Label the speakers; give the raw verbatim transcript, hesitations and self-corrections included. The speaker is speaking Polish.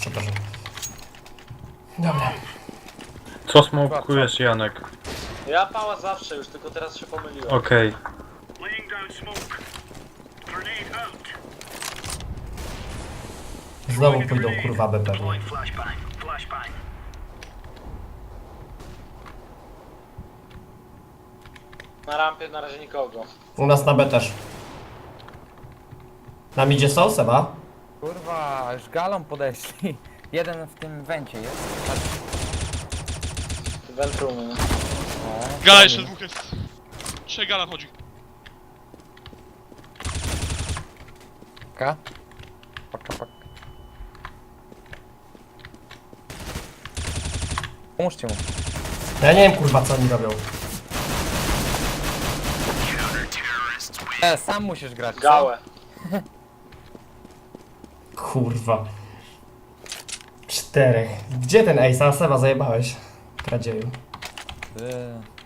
Speaker 1: przepraszam. Dobra.
Speaker 2: Co smokujesz, Janek?
Speaker 3: Ja pała zawsze już, tylko teraz się pomyliłem.
Speaker 2: Okej.
Speaker 1: Znowu pójdą kurwa B pewnie.
Speaker 3: Na rampie na razie nikogo.
Speaker 1: U nas na B też. Na midzie są, Seba?
Speaker 4: Kurwa, już galą podeszli. Jeden w tym wencie jest.
Speaker 3: Ventrumy.
Speaker 4: No,
Speaker 5: Gala jeszcze dwóch jest. Trzech gala chodzi.
Speaker 4: Paka. Paka, paka. Pomóżcie mu.
Speaker 1: Ja nie wiem kurwa co oni robią.
Speaker 4: E, sam musisz grać. co?
Speaker 3: Gałę.
Speaker 1: Kurwa. Czterech. Gdzie ten Ace? A Seba zajebałeś. Kradzieju.
Speaker 4: Ty.